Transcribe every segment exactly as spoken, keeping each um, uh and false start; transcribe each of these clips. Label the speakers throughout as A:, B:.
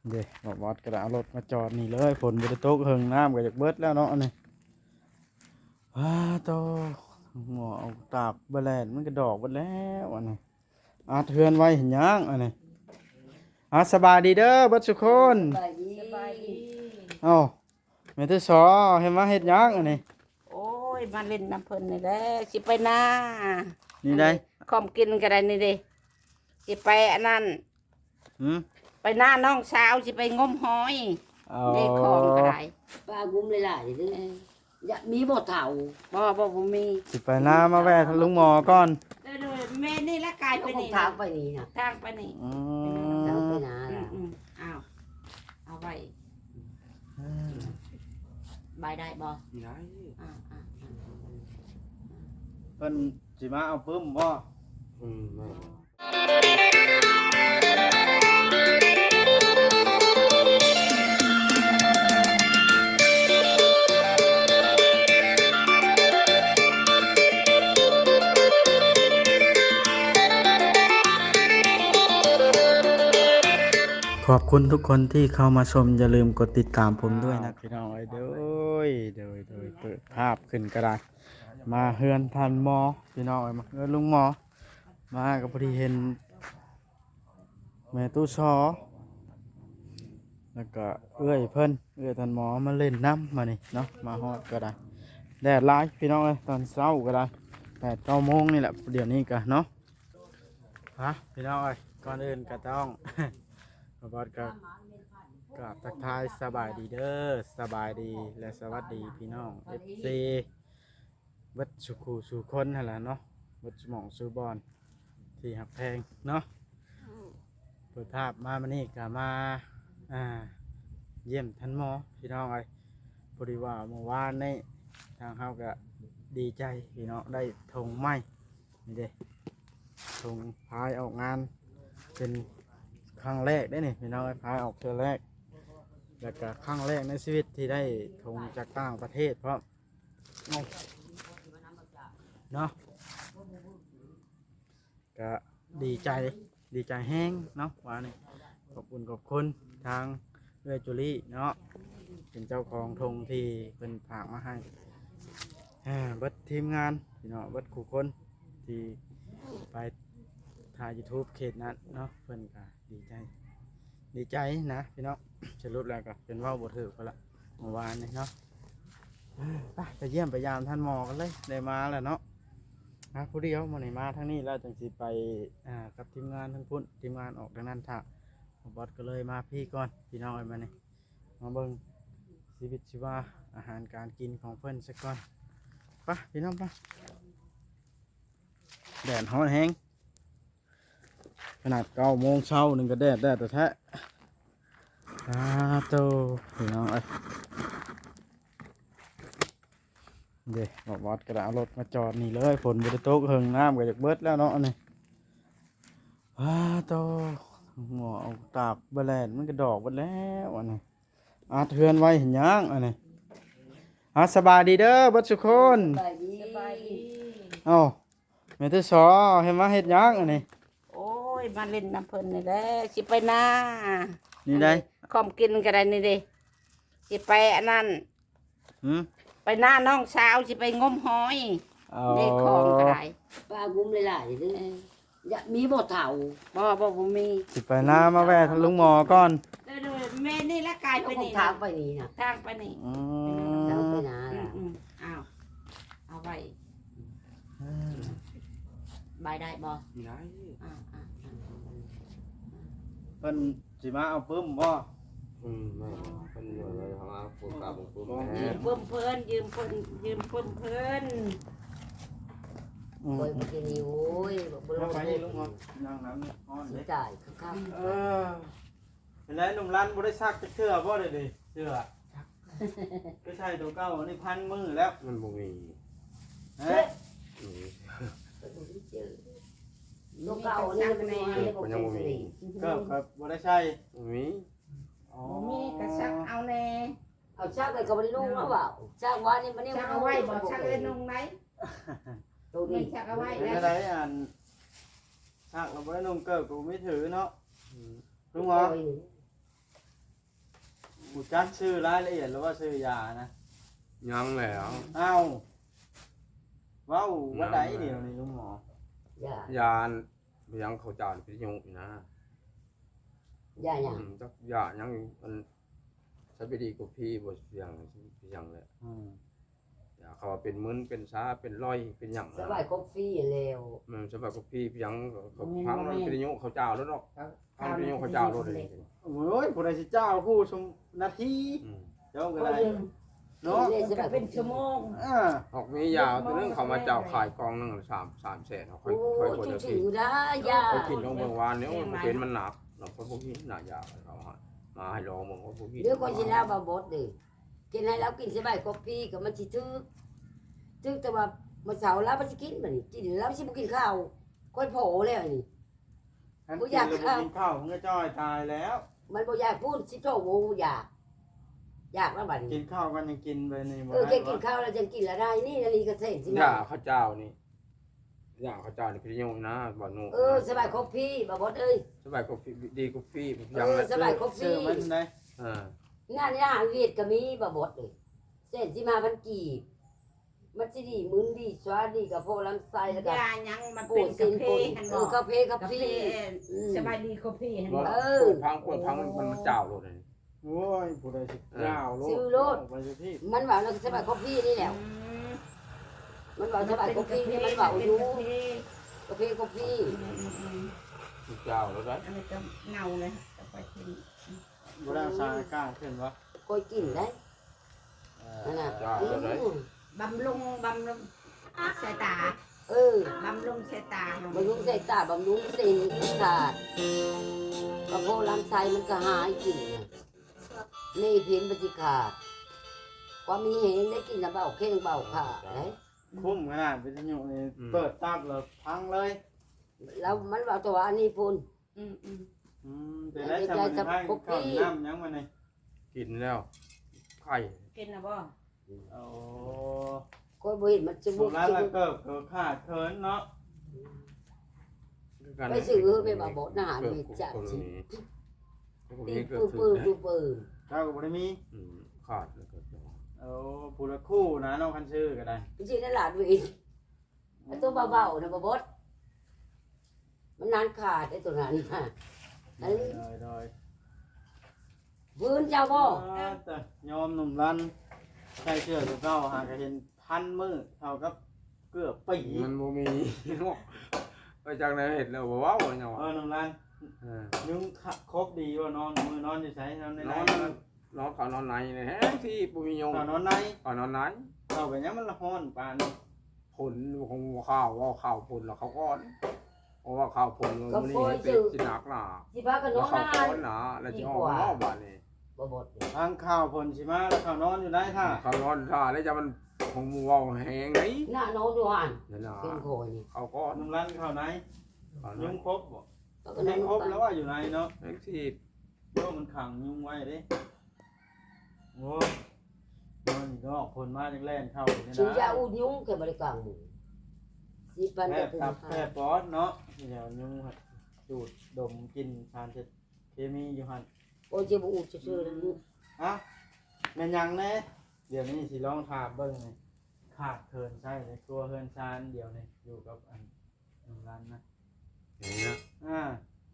A: เดี๋ยวบอสกระเอารถมาจอดนี่เลยฝนบริโตกเฮิงน้ำก็จากเบิดแล้วเนาะนี่ว้าโตหมอเอาตากบะแลนมันก็ดอกเบิดแล้วอันนี้อาเทือนไว้เห็นยังอันนี้อาสบายดีเด้อเบิดสุกคน
B: สบายดีสบายดี
A: เอ้าแม่ที่สอเห็นว่าเฮ็ดยังอันนี้
B: โอ้ยมาเล่นน้ำเพิ่นนี่แหละสิไปนา
A: นี่ได้
B: ขอมกินก็ได้นี่เด้สิไปอันนั้น
A: หืม
B: ไปหน้าน้องสาวสิไปงมหอยเด็กของก็ได้
C: ป้ากุ้มหลายๆเด้ออย่ามีบ่เฒ่า
B: บ่บ่บ่มี
A: สิไปหน้ามาแวะทางลุงหมอก่อน
B: เด้อๆแม่นี่ละกายไปนี่
C: ทางไปนี่น่ะ
B: ทางไปนี่
A: อื
C: ทางไป
A: ม
C: นาล่ะ
B: อืมๆอ้าวเอาไว้บายได้บ่
A: ได้
B: อ่า
A: เพิ่นสิมาเอาปึ้มบ่
C: อืมแม่
A: ขอบคุณทุกคนที่เข้ามาชมอย่าลืมกดติดตามผมด้วยนะพี่น้องไอ้เด้อยเด้อยเด้อยเปิดภาพขึ้นก็ได้มาเฮือนทันหมอพี่น้องไอ้มาเฮือนลุงหมอมาก็พอดีเห็นแม่ตู้ซอแล้วก็เอื้อยเพิ่นเอื้อยทันหมอมาเล่นน้ำมานี่เนาะมาฮอดก็ได้แดดร้ายพี่น้องเอ้ยตอนเช้าก็ได้แปดเก้าโมงนี่แหละเดี๋ยวนี้ก็เนาะฮะพี่น้องเอ้ยก่อนอื่นก็ต้อง บอสก็กราบทักทายสบายดีเด้อสบายดีและสวัสดีพี่น้องเอฟซีวัดสุขูสุคนนั่นแหละเนาะวัดสมองสุบอลที่หักแพงเนาะเปิดภาพมามานี่ก็มาอ่าเยี่ยมท่านหมอพี่น้องไอ้พอดีว่าเมื่อวานนี้ทางเขาก็ดีใจพี่น้องได้ธงไม้นี่เด้ธงพายออกงานเป็นครั้งแรกได้นี่พี่น้องพายออกเทือแรกแล้วก็ครั้งแรกในชีวิตที่ได้ธงจากต่างประเทศเพราะเนาะก็ดีใจดีใจแห้งเนาะว่านี่ขอบคุณขอบคุณทางเรือจุลี่เนาะเป็นเจ้าของธงที่เป็นฝากมาให้เบิดทีมงานพี่น้องเบิดคู่คนที่ไปถ่ายยูทูบเขตนั้นเนาะเพิ่นก็ดีใจดีใจนะพี่น้องสรุปแล้วก็เป็นว่าบทถือไปละเมื่อวานนี้เนาะไปไปเยี่ยมไปยามท่านหมอกันเลยได้มาแล้วเนาะนะผู้เดียวมาไหนมาทั้งนี้แล้วจังสิไปอ่ากับทีมงานทั้งพุ่นทีมงานออกทางนั้นถ้าบอสก็เลยมาพี่ก่อนพี่น้องเอามานี่มาเบิ่งชีวิตชีวาอาหารการกินของเพิ่นสักก่อนไปพี่น้องไปแดดร้อนแห้งขนาดเก้าโมงเช้าหนึ่งก็แดดแดดแต่แท้อ้าโตพี่น้องเอ้ยเดี๋ยวบอสกระเอารถมาจอดนี่เลยฝนบริโตกเฮิงน้ำก็จากเบิดแล้วเนาะนี่ว้าโตหมอเอาตากบะแลนมันก็ดอกเบิดแล้วอันนี้อาเทือนไว้เห็นยังอันนี้อาสบายดีเด้อเบิดสุกคน
C: สบายดี
B: สบายดี
A: เอ้าแม่ที่สอเห็นว่าเฮ็ดยังอันนี้
B: โอ้ยมาเล่นน้ำเพิ่นนี่แหละสิไปนา
A: นี่ได้
B: ขอมกินก็ได้นี่เด้สิไปอันนั้น
A: หืม
B: ไปหน้าน้องสาวสิไปงมหอยเด็กของก็ได้
C: ป้ากุ้มหลายๆเด้ออย่ามีบ่เฒ่า
B: บ่บ่บ่มี
A: สิไปหน้ามาแวะทางลุงหมอก่อน
B: เด้อๆแม่นี่ละกายไปนี่
C: ทางไปนี่น่ะ
B: ทางไปนี่
A: อืม
C: ทางไปนาล่ะ
B: อืมๆอ้าวเอาไว้บายได้บ่
A: ได้
B: อ่า
A: เพิ่นสิมาเอาปึ้มบ่
C: อืมแม่เพิ่นว่าเลยเฮาเอาปูกาบ่ปู
B: ยืมเพิ่มเพิ่นยืมเพิ่นยืมเพิ่มเพิ่น
C: โอ้ยบ่กินนี่โอ้ยบ่รู้
A: ไปลุงหมอนั่งน้ำนี่ฮ้อนเด้
C: จ่ายครับ
A: เออเป็นไรหนุ่มรันบ่ได้ซักจักเทื่อบ่ได้ดิเสื้อก็ใช่ตัวเก่าอันนี้พันมือแล้ว
C: มันบ่มี
A: ฮะ
C: ตัวเก่านี่มันมีมันยังบ่มี
A: ก็ก็บ่ได้ใช้
C: มี
A: อ๋อ
B: มีกระชักเอาแน่
C: เอาชักเลยก็บ่ได้นุ่งแล้วเปล่าชักว่านี่มันนี่
B: ชักเอาไว้บ่ชักเลยนุ่งไหม
C: ตัว
B: ไม่
C: นี้
B: ชักเอาไว้
A: เป็น
B: แล้ว
A: อะไรอันซักเราบ่ได้นุ่งเกิบกูไม่ถือเนาะลุงหมอกูจักชื่อรายละเอียดแล้วว่าชื่อยานะ
D: ยังแล้ว
A: เอ้าเว้าว่าใดเดียวนี่ลุงหมอ
C: ย่าย
D: านยังเขาจานพิยุนะ
C: ย่าหยัง
D: อืมจักยายังมันใช้ไปดีกว่าพี่บ่เสียงเสียงเลย
A: อืม
D: ยาเขาว่าเป็นมึนเป็นซาเป็นร้อยเป็นหยัง
C: สบายกาแฟแล้ว
D: มันสบายกว่าพี่ยังเขาพังมันพิยุเขาเจ้าแล้วเนาะพังพิยุเขาเจ้าแล้วเลย
A: โอ้ยผู้ใดสิเจ้าคู่ชมนาที
D: อืม
A: เจ้าก็
C: ก็
A: ได้
C: ยัง
A: เนาะ
B: ก็เป็นชั่วโมง
A: อ่า
D: ออกมียาตัวนึงเขามาเจ้าขายกองนึงสามสามแสนเขาค่อย
C: โอ้
D: ค่อย
C: ย
D: คน
C: จ
D: ละ
C: ริ
D: ที
C: งๆนะย่า
D: เขากินลงเมืองวานเนี่ยมันเป็นมันหนักเราคนพวกนี้หนายาเขามาให้ลองเมืองคนพวกนี้
C: เดี๋ยวคนสิแล้วมาบดดิกินให้เรากินสบายกาแฟก็มันสิทึกทึกแต่ว่ามื้อเช้าแล้วมันสิกินบัดนี้กินแล้วสิบ่กินข้าวค่อยโผล่แล้วนี่
A: ฉัน
C: บ่
A: กิน
C: อยาก
A: แล้วบ่
C: ข้าว
A: กินข้าวมึงก็จ้อยตายแล้ว
C: มันบ่อยากพูดสิโตโมอยากอยากแล้วบัด
A: กิ
C: นี้
A: นข้าวกันยังกินไปนี่บ่
C: เออแก
A: ได้
C: กิน
A: วะ
C: ข้าวแล้วจะกินแล้วได้นี่นาฬิกาเส้นสิ
D: ยาข้าวเจ้านี่ยาข้าวเจ้านี่พิยุนะบ่หนู
C: เออสบายครบพี่บ่บดเอ้ย
D: สบายกว่าดีกว่าพี่
C: เอ
D: ยัง
C: อ
D: เลย
C: สบายครบ
A: ชื่
C: พี่
A: อมันได้
D: อ่าง
C: านนี้อาหารเวียดก็มีบ่บดเลยเส้นสิมาพันกีบมันสิดีมึนดีสวาดีกับพวกลำไส้แล้วก็
B: ยายังมัน
C: ปู
B: เป็น
C: สิ
B: กาน แฟ
C: ปู
B: หัน
C: เอบ
B: อ
C: อก กาแฟกา
B: กา
C: แฟ
B: แฟสบายดีกาแฟหันบอก
C: เออ
D: พังกวดพังมันมันเจ้าโลดเลย
A: โอ้ยผู้ใดสิเจ้าโล
C: ซื้อโลด
A: ไปสิพี่
C: มันว่าเราสบายครบพี่นี่แหละมันว่าสบายครบพี่นี่มันว่าอยู่กาแฟครบพี่
D: เจ้าโลดได้
B: อันนี้ก็เงาเลยจะไปกิน
A: บ่ได้สารกล้าขึ้นวะ
C: ก็กินได้
A: เอ
C: นั่น
A: อ
C: น่ะ
D: เจ้าโลดได้
C: อืม
B: บำรุงบำรุงสายตา
C: เออบ
B: ำรุงสายตา
C: บำรุงสายตาบำรุงเส้นประสาทกระเพาะลำไส้มันก็หายกินน่ะนี่เพี้ยนปฏิขาดความมีเหงได้กินน้ำเบาเข่งเบาขาดไหน
A: คุ้มขนาดวิทยุนี่เปิดตับแล้วพังเลย
C: แล้วมันว่าตัวอันนี้พุ่น
B: อืมอืม
A: อืมแต่ได้ทำมันให้ข้าวน้ำยังมานี่
D: กินแล้วไข่
B: กินนะบ่
A: โอ้
C: ก็บ่เห็นมันจะ
A: สุ
C: บุก
A: รา
C: จะ
A: แล้ว
C: บุก
A: เกิดเกิดขาดเคินเนาะ
C: ไปซื้อไปมาบดอาหารไปจับสิตีปืนปืนดูปืน
A: เจ้าก็บ่ได้มี
D: ขาดแล้วก็
A: โอ้ผู้ละคู่นะน้องคันชื่อก็ได้
C: จริงๆนั่นหลานวิ่งไอ้ตัวเบาๆนะบ่บดมันนานขาดไอ้ตัวนั้นน่ะอัน
A: โดยโดย
C: พื้นเจ้าบ่
A: แต่ยอมหนุ่มรันใส่เสื้อตัวเก่าหากเห็นพันมือเท่ากับเกือบปี
D: มันบ่มีไปจากไหนเห็ดแล้วบ่ว้าวเนาะ
A: เออหนุ่มรัน
D: เออ
A: ยุงครบดีว่านอนมือนอนอยู่ใช้นอนใน
D: น
A: ไหน
D: อนนอนเขานอนไหนเนี่ยแฮงที่บ่มียง
A: นอนนอนใน
D: เขานอนไหน
A: เอาไปยังมันละห้อนปาน
D: ผลของข้าวว่าข้าวผลแล้วเขาก้อนเพราะว่าข้าวผลมันนี่เป็นสินักหนา
C: สิพากันน
D: แล้ว
C: อน
D: เขา
C: นาน
D: ก้อนหนาแล้วจะออกนอกบ้านนี่
C: บ่บด
A: ทางข้าวผลชิมาแล้วเขานอนอยู่ได้ท่า
D: เขานอนท่าแล้วจะมันของมัวแห้งไหน
C: หน้านอนอยู่หัน
D: นั่นน่ะ
C: เป็นโคยนี่
D: เขาก้อน
A: หนุ่มรันเข้าไหน
D: เขาน
A: ยุ
D: อน
A: งครบบ่
C: แล้วก็
A: ยุ
C: นั่ง
A: งครบแล้วว่าอยู่ไหนเนาะ
D: แท็กซี่
A: โยมันขังยุงไว้เด้โอ้นอนอยู่นอกผลมาจังแล่นเข้าอยู่นี่
C: ซื้อยา
A: นะ
C: อุดยุงแค่บริการหมู่สิพัน
A: แพ
C: ก็
A: ทย์
C: ถึง
A: ตับ
C: ห้า
A: แพทย์ปอดเนาะเดี๋ยวยุงหัดจูดดมกินสารเคมีอยู่หัน
C: โอ้ยจะบ่อุดซื่อๆแล้ว
A: อ่ะแม่นยังแน่เดี๋ยวนี้สิลองถามเบิ่งนี่ขาดเคินใช่เลยตัวเคินชานเดี๋ยวนี่อยู่กับอันหนึ่งร้านนะ
D: อย่างเงี้ย
A: อ่า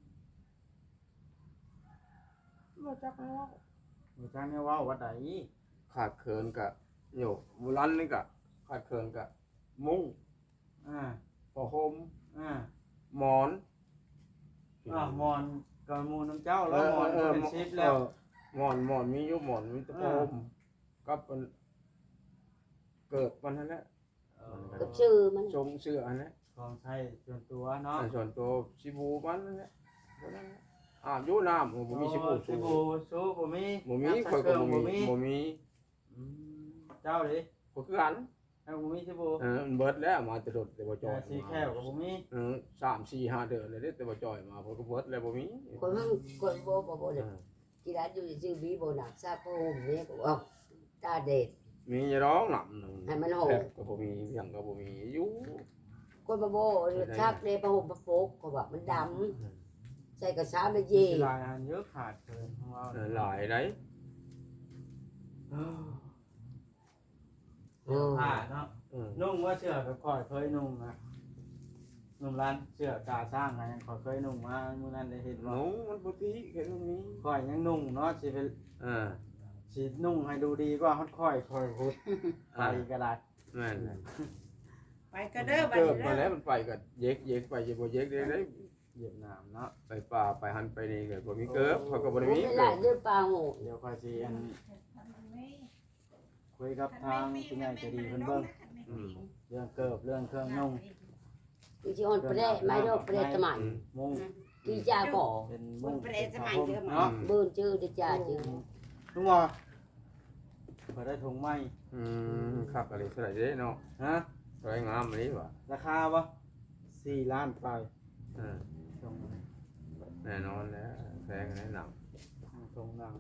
D: มาจากแล้ว
A: หมู่จ้างเนี่ยเว่าวัดใด
D: ขาดเคินกะโยกบุรันนี่กะขาดเคินกะมุ้ง
A: อ่า
D: ผ้าห่ม
A: อ่า
D: หมอน
A: อ่ามอนกับหมูน้ำเจ้าแล้วมอนก็เป็นชิปแล้ว
D: หมอนหมอนมีอยู่หมอนมีแตะโพมกับมันเกิดมันนั่นแหละ
A: เออ
C: กับชื่อมัน
D: ชงเสื้ออันนั้น
A: ของใช้ส่วนตัวเนาะ
D: อันส่วนตัวชิบูมันนั่นแหละตัวนั้นแหละอาบอยู่น้ำผมมีชิบู
A: ชิ
D: สู
A: บูซูบ่มี
D: บ่มี
A: น้ำ
D: ข่อย
A: เค
D: ก็
A: รื่อง
D: บ่
A: บ่
D: มี
A: มี
D: บ่มี
A: อืมเจ้าดิ
D: ข่อยคือกัน
A: เอ้าบ่มีชิบู
D: เออมันเบิดแล้วมาแตลอดแต่บ่จ
A: จ
D: อ
A: อย
D: ย
A: สีแก้วก็บ่มี
D: เออสาม สี่ ห้าเดือนเลยเด้แต่บ่จอยมาเพิ่นก็เบิดแล้วบ่มี
C: คนมันคนบ่บ่บ่
D: เอ
C: เลย
D: อ
C: กีฬาอยู่ชื่อบีโบนักซาโปมเนี่ยก็ว่าตาเด็ด
D: มีอย่าร้องหนำหนึง
C: ให้มันโห
D: แทบก็บ่มีเพียงก็บ่มีอยู่
C: คนบ่บ่ชักเลยประหมประโปกก็ว่ามันดำใส่กระชาไม่เย่
A: สิหลายอันเยอะขาดเคินของเรา
D: เออหลายได้
A: อ
C: เออ
A: ผ้าเนาะ
D: อืม
A: นุ่งว่าเสื้อกับข่อยเคยนุ่งนะนุ่งร้านเสื้อกาสร้างไงข่อยเคยนุ่งมาเมื่อนั้นได้เห็น
D: ห
A: ว่า
D: นูมันปกติแค่ตรงนี้
A: ข่อยยังนุ่งเนาะสิเป็น
D: อ่า
A: สินุ่งให้ดูดีกว่าฮอดข่อยข่อยพุดไปก็ได้
D: แม่นเลย
B: ไปก็เด้อบัด
D: เกิด
B: นี้
D: มา
B: เด้
D: แล้
B: อ
D: วมันไปก็เย็กเย็กไปเย็กบ่เย็กได้เลย
A: เหยียบน้ำเนาะ
D: ไปป่าไปหันไปนี่ก็บ่มีเกิบเขาก็บ่ได้
C: ผม
D: มี
C: ไม่
D: เกิ
C: ได้
D: บ
C: เดือปลาโห
A: เดี๋ยวข่อยสิอันคุยกับทางผู้ใหญ่ใจะดีเพิ่นเบิ่ง
D: อืม
A: เรื่องเกิบเรื่องเครื่องนุ่ง
C: คือชิออนเปรย์ไม่ดอกเปรย์สมัย
A: มุ้ง
C: กี่จ้าก่อ
A: เป็น
B: มุ
A: มุ้
B: ง
A: ง
B: เปรย์สมัยเดิม
A: เนาะ
C: เบิ่นชื่อเดจ้าชื่อ
A: ลุงว่าเปิดได้ถุงไหม
D: อืมครับอะไรเท่าไหร่เด้เนาะ
A: ฮะ
D: สวยงามอันนี้ว่ะ
A: ราคาปะสี่ล้านไป
D: อ่า
A: ถุง
D: แน่นอนแล้วแพงแน่หนัง
A: ถุงดัง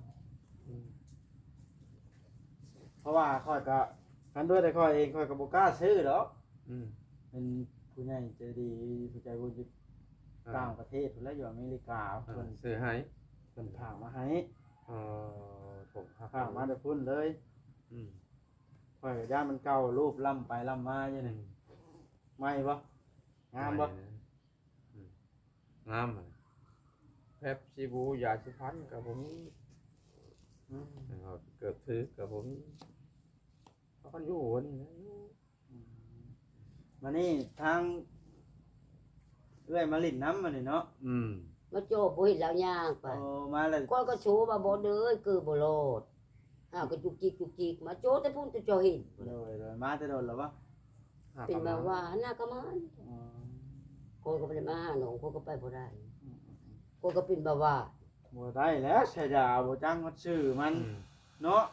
A: เพราะว่าค่อยก็กันด้วยแต่ค่อยเองค่อยก็บ่กล้าซื้อหรอก
D: อืม
A: เป็นผู้ใหญ่ใจดีผู้ใจบุญอยู่ต่างประเทศพุ่นแล้วอยู่อเมริกา
D: อ่า
A: เพิ่น
D: ซื้อให้
A: เพิ่นฝากมาให้
D: เออผมครับ
A: ฝากมาแต่พุ่นเลย
D: อืม
A: ค่อยก็ย่านมันเก่ารูปล่ำไปล่ำมาอยู่นี่ไม่บ่งามบ่
D: อืมงามอะแพบซีบูยาสีฟันกับผม
A: อืม
D: นะครับเกือบถือกับผมเขาก็อยู่วันนี้นะอยู่
A: มานี่ทางเอื้อยมาลิ้นน้ำมานี่เนาะ
D: อืม
C: มาโจบบ่เห็นแล้วย่างไป
A: โอ้มาเลย
C: ก้อยก็โชว์มาบ่เด้อคือบ่โลดอ้าวก็จุกจิกจุกจิกมาโจแต่พุ่นจะเจอเห็น
A: เลยเลยมาแต่โดนแล้วปะ
C: เป็นมาว่าหน้าก็มัน
A: อ๋อ
C: ก้อยก็บ่ได้มาหาหนูก้อยก็ไปบ่ได้ก้อยก็เป็นแบบว่า
A: บ่ได้แล้วใช่ยาบ่จังมันชื่อมัน
D: อืม
A: เนาะ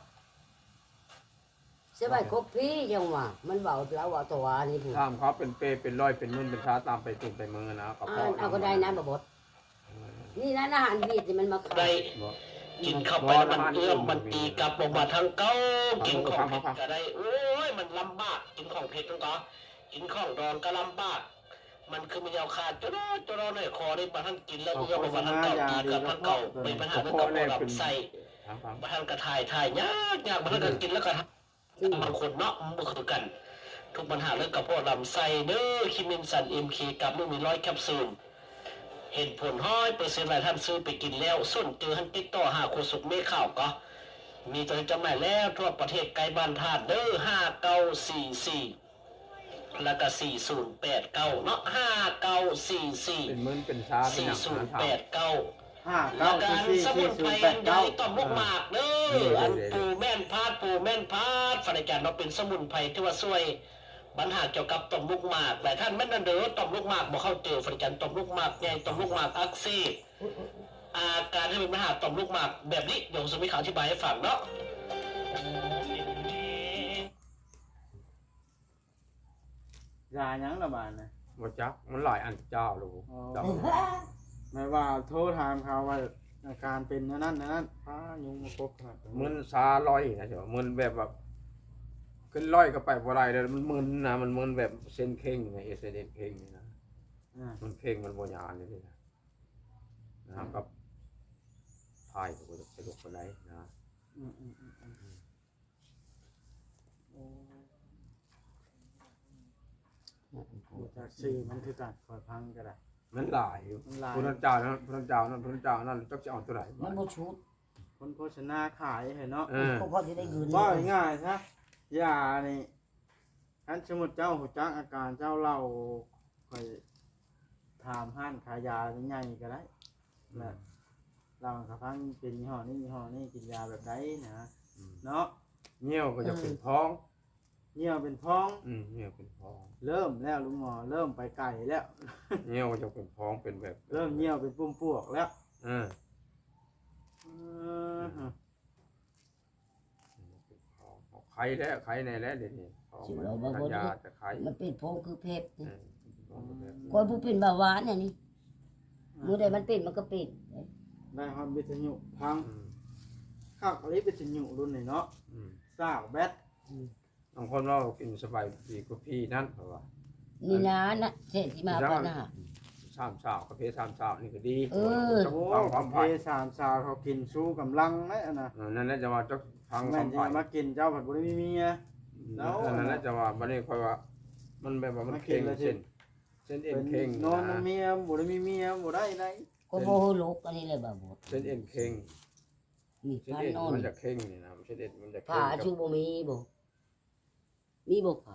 C: สบายครบพี่จังว่ามันเว้าแล้วว่าตัวนี่พุ่น
D: ถามเขาเป็นเปรย์เป็นร้อยเป็นนุ่นเป็นช้าตามไปตุ่มไปเมืองนะเขา
C: อ่านเอาก็ได้นะบ่บดนี่ร้านอาหารเวียดนี่มันมาขา
E: ได้
C: ย
D: บอก
E: กินเข้าไปแล้วมันเอื้อมมันตีกลับลงมาทางเก้ากินของเผ็ดก็ได้โอ้ยมันลำบากกินของเผ็ดต้องต่อกินของดองก็ลำบาก มันคือมันยาวขาดจะรอจะรอหน่อยคอได้มาท่านกินแล้วเอื้อมลงมาทางเก้าตีกลับทางเก้าเป็นปัญหาเรื่องกระเพาะลำไส้
D: ถามถาม
E: มาท่านกระถ่ายถ่ายยากยากมาท่านกินแล้วก็บางคนเนาะมันคือกัน ทุกปัญหาเรื่องกระเพาะลำไส้เด้อคิมินสันเอ็มเคกับลูกมีร้อยแคปซูลเห็นผลห้อยเปอร์เซ็นต์หลายท่านซื้อไปกินแล้วส่วนเจอท่านติดต่อหาโคสุกเมฆข่าวก็มีตัวจำหน่ายแล้วทั่วประเทศไกลบ้านธาตุเด้อห้าเก้าสี่สี่แล้วก็สี่ศูนย์แปดเก้าเนาะห้าเก้าสี่สี่
D: เป็นมึนเป็นช้าเป็น
E: สี่
D: หนัง
E: ศูนย์
D: ถาม
E: แปดเก้า
A: ห้า
E: แล้
A: เก้าว
E: ก็
A: สี่
E: อัน
A: สี่
E: สมุ
A: สี่
E: น
A: ศู
E: ไพร
A: นย์แปด
E: อันใหญ่
A: เก้า
E: ต่อมลูกหมากเด้ออันปูแม่นพาดปูแม่นพาดฝันอาจารย์เราเป็นสมุนไพรที่ว่าช่วยปัญหาเกี่ยวกับต่อมลูกหมากหลายท่านไม่นั่นเด้อต่อมลูกหมากบ่เข้าเจอฝันอาจารย์ต่อมลูกหมากใหญ่ต่อมลูกหมากอักเสบอาการที่เป็นปัญหาต่อมลูกหมากแบบนี้เดี๋ยวผมจะมีข่าวอธิบายให้ฟังเนาะ
A: ยาหยังละบาดนะ
D: ว่าจักมันหลายอันเจ้าลูก
A: อ๋อ
D: เจ้า
A: ไม่ว่าโทรถามเขาว่าอาการเป็นนั่นนั่นนั่นพายุงมาพบขนาด
D: มึนซาลอยนะเจ้ามึนแบบแบบขึ้นร้อยก็ไปบ่ได้เลยมันมึนนะมันมึนแบบเส้นเข่งไงเอเส้นเข่งนี่นะ
A: อ่า
D: มันเข่งมันบ่ยานนี่นะนะครับกับพายก็จะสะดวกปานใดนะ
A: อืมอืมอืมอืมโอ้รู้จากชื่อมันคือการคอยพังก็ได้
D: มันหลายอยู่
A: มันหลาย
D: พุทธเจ้านั้นพุทธเจ้านั้นพุทธเจ้านั้นจักจะเอาตัวไหน
C: มันบ่ชุด
A: คนโฆษณาขายเห็นเนาะ
D: เออ
C: เขาพอสิได้เงิน
A: ว่าง่ายๆซะยานี่อันสมมุติเจ้าหูจักอาการเจ้าเล่าคอยถามห้านขายยาใหญ่ๆก็ได้และเรากับพังเป็นยี่ห้อนี้ยี่ห้อนี้กินยาแบบใดนะเนาะ
D: เงี้ยวก็จะเป็นท้อง
A: เหี่ยวเป็นพ้อง
D: อืมเงี้ยวเป็นท้อง
A: เริ่มแล้วลุงหมอเริ่มไปไก่แล้ว
D: เงี้ยวก็จะเป็นท้องเป็นแบบ
A: เริ่มเหี่ยวเป็นปุ่มปวกแล้ว
D: เออ
A: เออฮะ
D: เป็นท้องเอาไข่แล้วไข่ในแล้วเดี๋ยวนี้ท้องมันทานยาแต่ไข่
C: มันเป็นโพงคือเพชร
D: เออท้องแบบนี้
C: คนผู้เป็นเบาหวานเนี่ยนี่มื้อใดมันเป็นมันก็เป็น
A: ได้ฮอตวิทยุพัง
D: อืม
A: ข้าวอะไรวิทยุรุ่นไหนเนาะ
D: อืม
A: ซากแบต
D: บางคนว่ากินสบายดีกว่าพี่นั่นเพราะว่า
C: นี่นะนะเศษที่มาก่อนนะ
D: สสามสาวกาแฟสามสาวนี่ก็ดี
C: เออ
D: จัก
A: โอ้
D: ฟังความ
A: เพ
D: ไผ่
A: สามสาวเขากินสู้กำลังนะอันน่ะ
D: เออนั่นแหละจะว่าจักฟังค
A: แม่
D: วาน ม
A: จะ
D: ไผ่
A: มากินเจ้าผัดบุรีมีเมีย แล้ว
D: นั่นแหละจะว่าบัดนี้ค่อยว่ามันแบบว่ามัน
A: มากิ
D: เข่
A: น
D: ง
A: แล้วสิ
D: เส้นเส้นเอ็นเข่ง
A: นอน
D: นะ
A: น้ำเมียบุรีมีเมียบ่ได้ไหน
C: ก็โมโหลูกอันนี้เลยบ่บ่
D: เส้นเอ็นเข่ง
C: นี่
D: เส้น
C: พัน
D: เอ็น
C: นอน
D: มันจะเข่งนี่นะเส้นเอ็นมันจะเข่
C: ผ้าง
D: กับ
C: ชูบ่มีบ่มีบ่ผ้า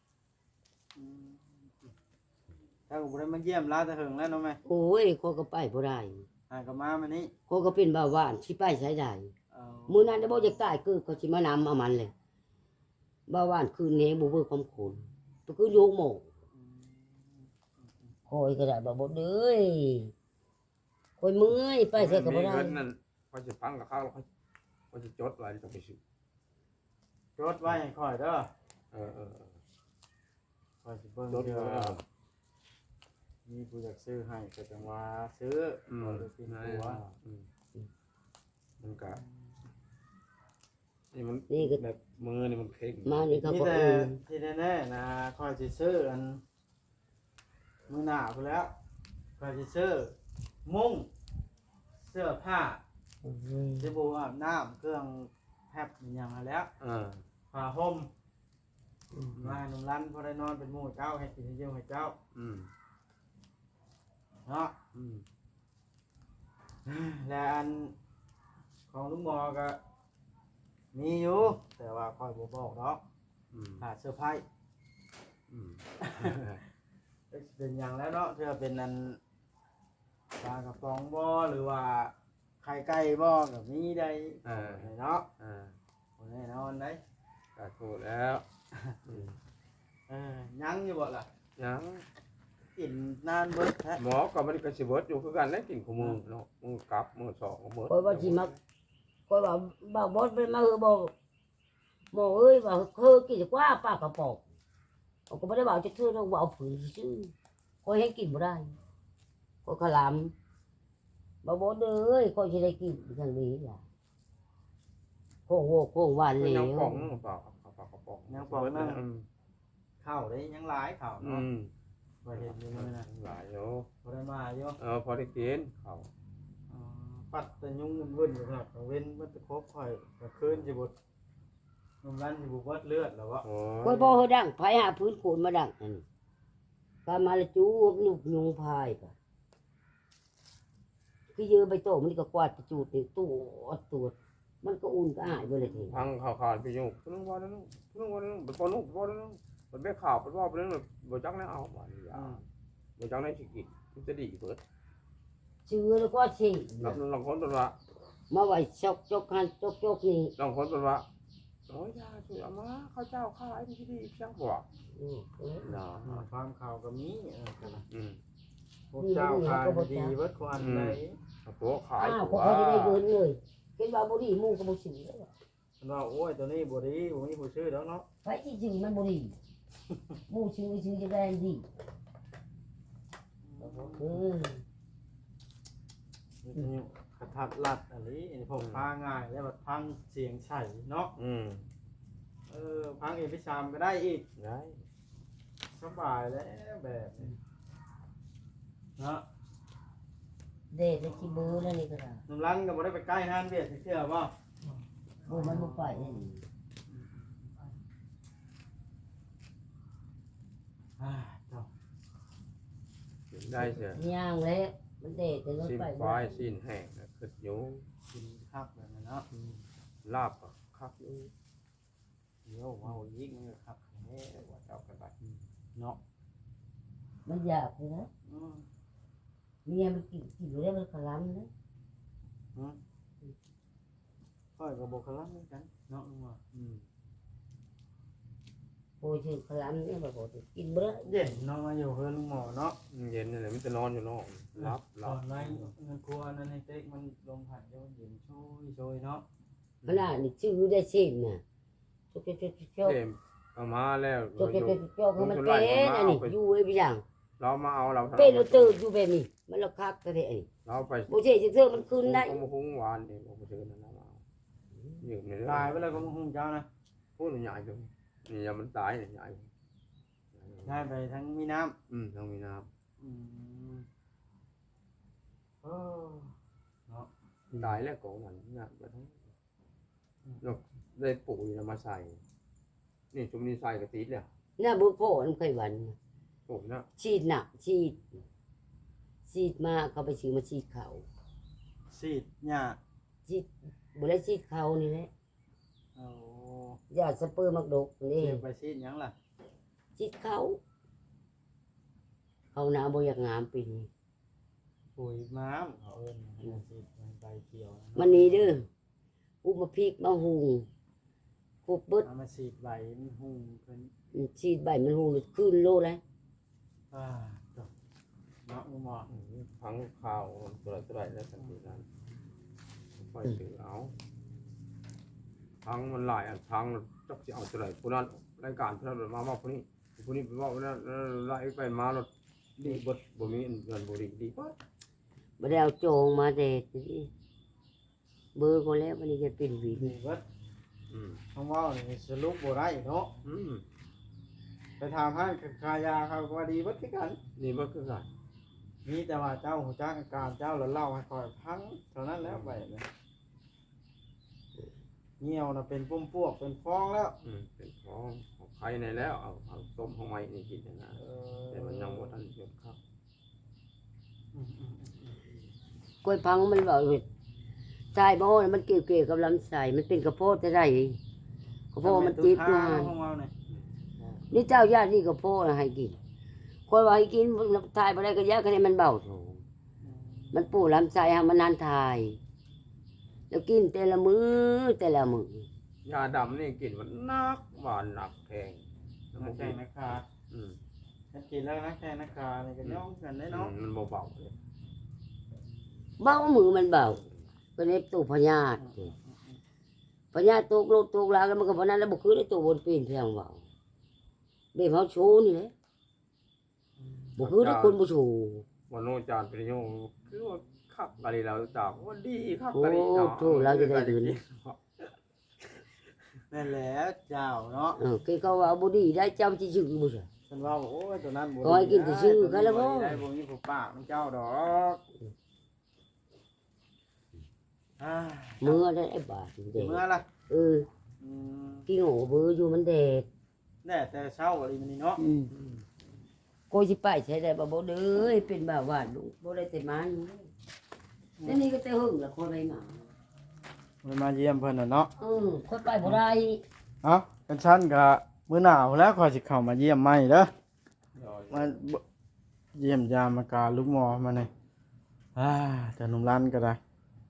A: ถ้าบุรีมาเยี่ยมลาแต่เหิงแล้วเนาะแม่
C: โอ้ยเขาก็ไปบ่ได้
A: หากับมามานี่
C: เขาก็เป็นเบาหวานสิไปใช้ได้
A: เอา
C: มื้อนั้นได้บ่อยากตายคือเขาสิมานำเอามันเลยเบาหวานคืนนี้บ่เบิ่งความขุนก็คือโยกหมกคอยก็ได้บ่บ่เด้ยคอยเมื่อยไปใส่ก็บ่ได้
D: มีเงินนั่นเขาจะฟังกับเขาแล้วเขาเขาจะจดไว้ต้องไปซื้อ
A: จดไว้ให้ค่อยเด้อ
D: เออเออเออ
A: ค่อยสิเบิ่ง
D: จด
A: เด้
D: ไว้
A: อมีผู้อยากซื้อให้ก็จังว่าซื้อ
D: อืม
A: บ่ได้กิน
D: นั่น
A: ตัว
D: อืมมันก็นี่มัน
C: นี่ก็
D: แบบมือนี่มันเข่ง
C: มานี่เขา
A: นี่
C: ก็
A: แต่
C: เออ
A: ที่แน่ๆนะค่อยสิซื้ออันมื้อหน้าพุ่นแล้วค่อยสิซื้อมุ้งเสื้อผ้าสบู่อาบน้ำเครื่องแพบอหย่างนั้นแหล้ว
D: อ่า
A: ผ้าห่มมาหนุ่มรันพอได้นอนเป็นหมู่เจ้าให้กินให้เยี่ยวให้เจ้า
D: อืม
A: เนาะ
D: อืม
A: และอันของลุงหมอก็มีอยู่แต่ว่าค่อยบ่บอกเนาะ
D: อืม
A: ขาดเสื้อร์ไผ้
D: อืม
A: เป็นอย่างแล้วเนาะเพื่อเป็นอันปลากระป๋องบ่หรือว่าไข่ไก่บ่ก็มีได้
D: เออ
A: เนาะ
D: อ่า
A: บ่แน่นอนได้
D: ก็ถูกแล้วอืม
A: เออยังอยู่บ่ล่ะ
D: ยัง
A: กินนานเบิดแท้
D: หมอก็มันก็สิเบิดอยู่คือกันแล้วกินของมือเนาะมือกลับมือสองก็เบิด
C: คอยว่าสิมาคอยว่าบ่าวบดไปมาเฮอบ่หมอเอ้ยว่าเฮอกินกว่าปากกระป๋องเขาก็บ่ได้บอกจะคือเราว่าเอาผืนซื่อคอยให้กินบ่ได้คอยขลำบ่าวบดเอ้ยคอยสิได้กินจังนี้ล่ะโค้งโวโค้งหวาน
D: มัน
C: แล้
D: ยัง
C: ว
D: ป่องนึงเปล่าครับปากกระป๋อง
A: ยังปองนั่ง
D: อืม
A: ข้าวได้ยังหลายข้าว
D: อื
A: เนาะ
D: ม
A: บ่เห็นอยู่มื้อนะ
D: หลายอยู่
A: บ่ได้มาอยู่
D: เออพอได้กินเขา
A: อ๋อปัดแต่ยุงมันเว้นอยู่ครับกังเว้นมันตะครบข่อยกลางคืนสิบ่นมรันสิบ่เบิดเลือดแล้ววะ
D: โอ้
C: คอยบ่เฮอดังไผหาพื้นโคนมาดังนั่นกามาละจูบนุกยุงพายก็คือเยอะใบโตมันก็กวาดไปจูดนี่ตู้อดตูดมันก็อุ่นก็หายไปเลยที
D: พังข่าวขาดไปอยู่พุ่งว่าแล้วนึงพุ่งว่าแล้วนึงบ่นุ่งบ่แล้วนึงมันไม่ข่าวบ่ว่าบ่แล้วบ่จักแล้วเอาบ่นี่อ่ะบ่จักได้สิกินมันจะดีเบิด
C: ชื่อแล้วก็ชื่อ
D: ลองลองคนตัวว่า
C: มาไว้ชกจกหันจกจกนี่
D: ลองคนตัวว่าโอ้ยยาช่วยเอามาข้าวเจ้าขายที่ดีเพียงบ่
C: อืมเออ
D: เนาะ
A: อ่าความข่าวก็มีเออกันนะ
D: อืม
A: พวกเจ้าขายดีเบิดควันไหน
D: ตัวขาย
C: อ้าว
D: ตั
C: พอ
D: ว
C: เขาจะได้เงินเลยเห็นว่าบ่ดีหมู่ก็บ่ซื้อแล้ว
A: มันว่าโอ้ยตัวนี้บ่ดีบ่มีผู้ซื้อดอกเนาะ
C: ไปที่ซื้อมันบ่ดีหมู่ซื้อซื้อจะได้ดีเออ
A: นี่จะอยู่กระทัดรัดอันนี้อันนี้พวกพาง่ายแล้วแบบพังเสียงใส่เนาะ
D: อืม
A: เออพังเอพิชามก็ได้อีก
D: ได้
A: สบายแล้วแบบนี้เนาะ
C: เด็ดจะสิเบอร์แล้วนี่ก็ได้
A: น้ำรันก็บ่ได้ไปใกล้ห้านเบียดเชื่อบ่
C: บ่มันบ่ไปนี่
A: อ่าเจ้า
D: ได้เสีย
C: ย่างแล้วมันเด็ดแต่รถ
D: สิ้น
C: ไป
D: ควายสิ้นแห้งน่ะคืออยู่
A: กินคักแบบนั้นเนาะ
D: ลาบก็คักอยู่
A: เดี๋ยวเว้าอีกมันก็คักแน่ว่าเจ้ากันไปเนาะ
C: มันอยากเลยนะ
A: อืม
C: เมียมันกินกินแล้วมันกระลำนะ
A: ค่อยก็บ่คลั่งเหมือนกันเนาะลุงว่าอืม
C: โอ้ยชื่อกระลำเนี่ยบ่บ่กินบ่ได้
A: เย็นเนาะมาอยู่เฮือนลุงหมอเนาะ
D: เย็นนี่แหละมันจะนอนอยู่นอกรับ
A: ต
D: รั
A: อบ นในเงินครัวนั้นให้เต็กมันลมผ่านเดี๋ยวมันเย็นโชยโชยเนาะ
C: ขนาดนี่ชื่อได้ชิมน่ะจกจกจกจก
D: เต็มเอามาแล้ว
C: จกจกจกจกให้มันเป็นอันนี้อยู่ไอ้พี่ยัง
D: เรามาเอาเรา
C: เป็นเราตื่นอยู่แบบนี้มันเราคักก็ได้อันนี้
D: เราไป
C: บ่ใช่จะเทื่อมันคืนได้
D: เอามาหุงหวานนี่เอามาซื้อนั่นนะมาอยู่ใน
A: ตายไปเลยก็มึงคงเจ้านะ
D: พูดใหญ่จังนี่ยังมันตายนี่ใหญ่
A: ได้ไปทั้งมีน้
D: อืมต้องมีน้
A: ำอืมออเนาะ
D: ตายแล้วก็มันน่ะบ่ทั้งนกได้ปุ๋ยน่ะมาใส่นี่ชุมนี้ใส่กระติดแล้ว
C: หน้าบุโพนเคยวัน
D: ปุ๋ยนะ
C: ฉีดหนักฉีดฉีดมาเขาไปซื้อมาฉีดเขา
A: ซีดหญ้า
C: ฉีดบ่ได้ฉีดเขานี่แหละ
A: โอ้
C: ยาสเปอร์มักดกนี่
A: เสียไปซีดหยังล่ะ
C: ฉีดเขาเขาหนาบ่อยากงามปีนี้
A: ปุ๋ยม้ามเขาเอิ้นให้มันซีดมันใบเขียวนะ
C: มันนี้เด้ออุมาพริกมาหุงคุบเบิด
A: เอามาซีดใบมันหุ่งเพิ่น
C: ฉีดใบมันหุงขึ้นโลเลย
A: อ่าจบเนาะหมอ
D: พังข้าวตัวละเท่าไหร่แล้วสันตินั้นค่อยซื้อเอาพังมันหลายอันพังจักสิเอาเท่าไหร่ผู้นั้นรายการผู้นั้นมามาผู้นี้ผู้นี้ไปว่าผู้นั้นไล่ไปมารถดีเบิดบ่มีเงินบ่ดีดีเบิด
C: บ่ได้เอาโจงมาเด็ดนี่เบอร์ก็แล้ววันนี้จะเป็นหวี
A: ดีเบิด
D: อืม
A: คำว่านี่สรุปบ่ได้เนาะ
D: อืม
A: ไปถามให้ขายาเขาก็ว่าดีเบิดคือกัน
D: นี่เบิดคือกัน
A: มีแต่ว่าเจ้าหูจักอาการเจ้าแล้วเล่าให้คอยพังเท่านั้นแล้วไปเลยเหี่ยวน่ะเป็นปุ่มพวกเป็นฟองแล้ว
D: อืมเป็นของของใครในแล้วเอาเอาต้มของไม้นี่กินนะ
A: เอ
D: แต่มันยังบ่ทันหยดครับ
A: อืมอืมอืม
C: กล้วยพังมันบอกเลยใช่บ่มันเกี่ยวเกี่ยวกับลำไส้มันเป็นกระโพดจะได้กระโพดมันติด
A: ทำ
C: มา
A: ไมตุ๊กตาของเราเนี่ย
C: นี่เจ้าญาตินี่กระโพดให้กินคนว่าให้กินทายบ่ได้ก็ยาคะแนนมันเบาโถมันปูลำไส้ให้มันนานทาย แล้วกินแต่ละมือแต่ละมือย
D: าดำนี่กินมันนักหวานหนักแพง
A: นักแข่งนักขา
D: อืม
A: ฉันกินแล้วนักแข่งนักขานี่ก็ย่องกันได้
D: อื
A: เนาะ
D: มมันเบาๆเลย
C: เบามือมันเบาเป็นเอฟตู้พญาติพญาติตกโลกตกลาแล้วมันก็พนันแล้วบ่คือได้ตัวบนปีนเพียงเบาเบ็ดเฮาโชว์นี่แหละบ่คือได้คนบ่โชว์
D: วันโนจานปริโยคือว่าคักอะไรเราจากว่าดีคัก
C: โอ้
D: อะไรเนาะ
C: โธ่เราจะได้เงิน
A: นั่นแหละเจ้าเนาะ
C: เออคือเขาว่าบ่ดีได้เจ้าสิชื่อบ่ใช่
A: ฉันว่าโอ้ยตัวนั้นบ่
C: ขอให้กินแต่ชื่อกันแล้วบ่
A: ได้บ่มีผู้ปากมันเจ้าดอกอ่า
C: มือได้ไอ้บาทเด็
A: เมื่อล่ะ
C: เออ
A: อืม
C: พี่โง่เบอร์อยู่มันแดด
A: แน่แต่เช้าอะไรมันนี่เนาะ
C: อืมโกสิไปใช้ได้บ่บ่เด้อเป็นบ่าวาดลูกบ่ได้แต่มาอยู่แล้วนี่ก็แต่หึงละคนไปมา
A: มันมาเยี่ยมเพิ่นน่ะเนาะ
C: เออคนไปบ่ได้
A: เอ้ากันชั้นก็มื้อหนาวแล้วขอยสิเข้ามาเยี่ยมใหม่เด้อมาบ่เยี่ยมยามอาการลูกหมอมานี่อ่าแต่หนุ่มรันก็ได้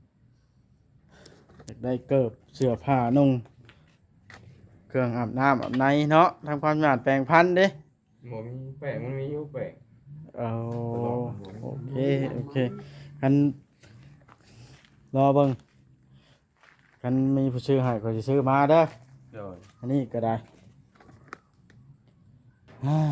A: อยากได้เกิบเสื้อผ้านุ่งเครื่องอาบน้ำอาบในเนาะทำความสะอาดแปรงพันธุ์เด้
D: หมอมีแป้งมันมีอยู่แป้ง
A: เอาโอเคโอเคกันรอเบิ่งกันมีผู้ซื้อให้ก็สิซื้อมาเด้อ
D: เดี๋ยว
A: อันนี้ก็ได้อ่า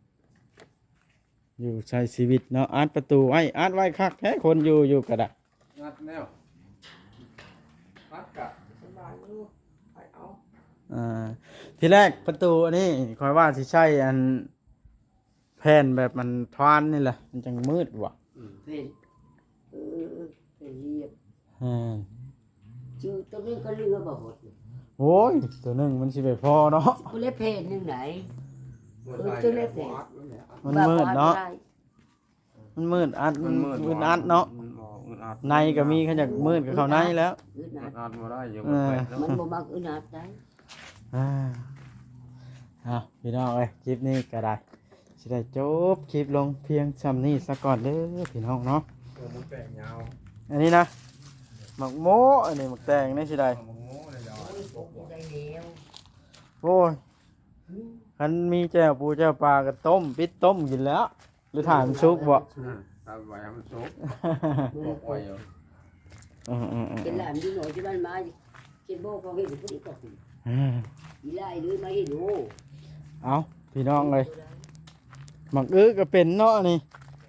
A: อยู่ใช้ชีวิตเนาะอัดประตูไว้อัดไว้คักแท้คนอยู่อยู่ก็ได้
D: งัดแนวงัดกะสบายอยู่ไปเอา
A: อ่าทีแรกประตูอันนี้คอยว่าสิใช่อันแผ่นแบบมันทวานนี่แหละมันจังมืดว่ะ
D: อืม
C: เป็นเออเป็นเรียบ
A: อ่า
C: ชื่อตัวนี้ก็เรื่องบ่หด
A: โอ้ยตัวหนึงมันสิไปพอเนาะ
C: บ่ได้เพศนึงไหน
D: มัน
C: เออเจ้าเล็กเนี่ย
A: มันมืดเนาะมันมืดอัดมันมืดอัดเนาะ
D: มันบ่อึดอัด
A: ในก็มีขยักมืดกับเขาในแล้ว
C: อึด
D: อึ
C: อัด
D: ดอัดบ่ได้อยู่
A: เอ
D: มัน
A: อ
D: แปลกแล้ว
C: มันบ่มักอึดอัดได้
A: อ่าอ่ะพี่น้องเอ้ยคลิปนี้ก็ได้สิได้จบคลิปลงเพียงซ้ำนี้ซะก่อนเด้อพี่น้องเนาะ
D: เออมันแปลกยาว
A: อันนี้นะหมักโมอันนี้หมักแตงนี่สิได้
D: เอามาโง่เลยยาว
C: ได้แล้ว
A: โอ้ยคันมีแจ่วปูแจ่วปลาก็ต้มปิดต้มกินแล้ว หรือถ่ายมันซุกบ่
D: อืมตามไว้ให้มันสุกบอกไว้อยู่
A: อืมอืมอืม
C: เป็นหลานอยู่หน่อยที่บ้านมาเก็บโบเขาเห็นผู้นี้ก็สิ
A: อืม
C: อีไล่เลยมาเห็นโอ้
A: เอาพี่น้องเลยหมักอื้อก็เป็นเนาะนี่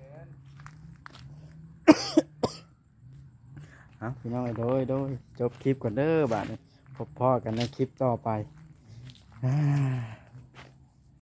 A: เอาพี่น้องเอ้ยโดยโดยจบคลิปก่อนเด้อบาดนี้พบพ่อกันในคลิปต่อไปอ่า